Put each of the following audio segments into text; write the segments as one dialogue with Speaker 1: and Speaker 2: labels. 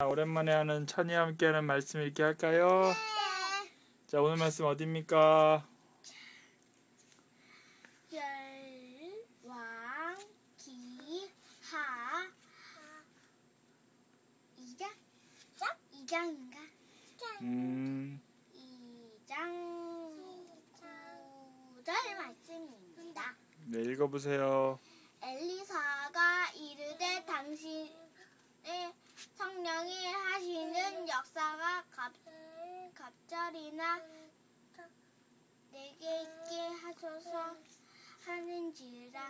Speaker 1: 오랜만에 하는 찬이와 함께하는 말씀 읽기 할까요?
Speaker 2: 네.
Speaker 1: 자, 오늘 말씀 어디입니까?
Speaker 2: 열왕기하 2장인가? 2장 9절 말씀입니다.
Speaker 1: 네, 읽어보세요.
Speaker 2: 엘리사가 이르되 당신의 성령이 하시는 역사가 갑절이나 내게 있게 하소서 하는지라.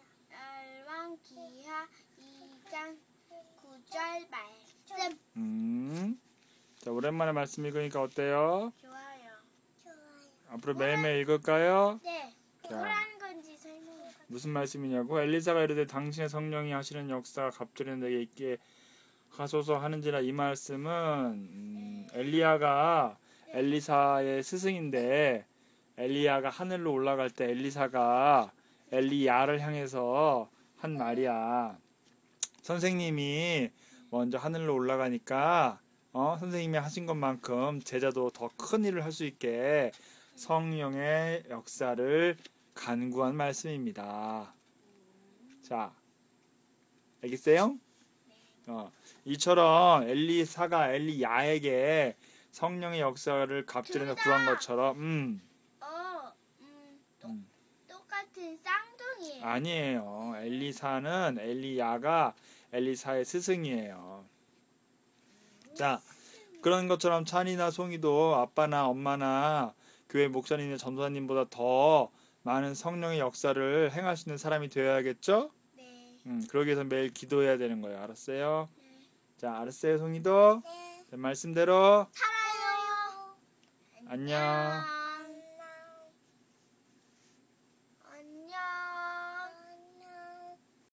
Speaker 2: 열왕기하 2장 9절 말씀.
Speaker 1: 자, 오랜만에 말씀 읽으니까 어때요?
Speaker 2: 좋아요.
Speaker 1: 앞으로 매일매일 읽을까요?
Speaker 2: 네.
Speaker 1: 자.
Speaker 2: 뭐라는 건지 설명해.
Speaker 1: 무슨 말씀이냐고? 엘리사가 이르되 당신의 성령이 하시는 역사가 갑절이 내게 있게 하소서 하는지라. 이 말씀은 엘리야가 엘리사의 스승인데 엘리야가 하늘로 올라갈 때 엘리사가 엘리야를 향해서 한 말이야. 선생님이 먼저 하늘로 올라가니까 선생님이 하신 것만큼 제자도 더 큰 일을 할 수 있게 성령의 역사를 간구한 말씀입니다. 자, 알겠어요? 이처럼 엘리사가 엘리야에게 성령의 역사를 갑절에서 구한 것처럼
Speaker 2: 똑같은 쌍둥이에요.
Speaker 1: 아니에요. 엘리사는 엘리야가 엘리사의 스승이에요. 자, 그런 것처럼 찬이나 송이도 아빠나 엄마나 교회 목사님이나 전도사님보다 더 많은 성령의 역사를 행할 수 있는 사람이 되어야겠죠?
Speaker 2: 네.
Speaker 1: 그러기 위해서 매일 기도해야 되는 거예요. 알았어요? 네. 자, 알았어요, 송이도?
Speaker 2: 네.
Speaker 1: 말씀대로
Speaker 2: 살아요.
Speaker 1: 안녕.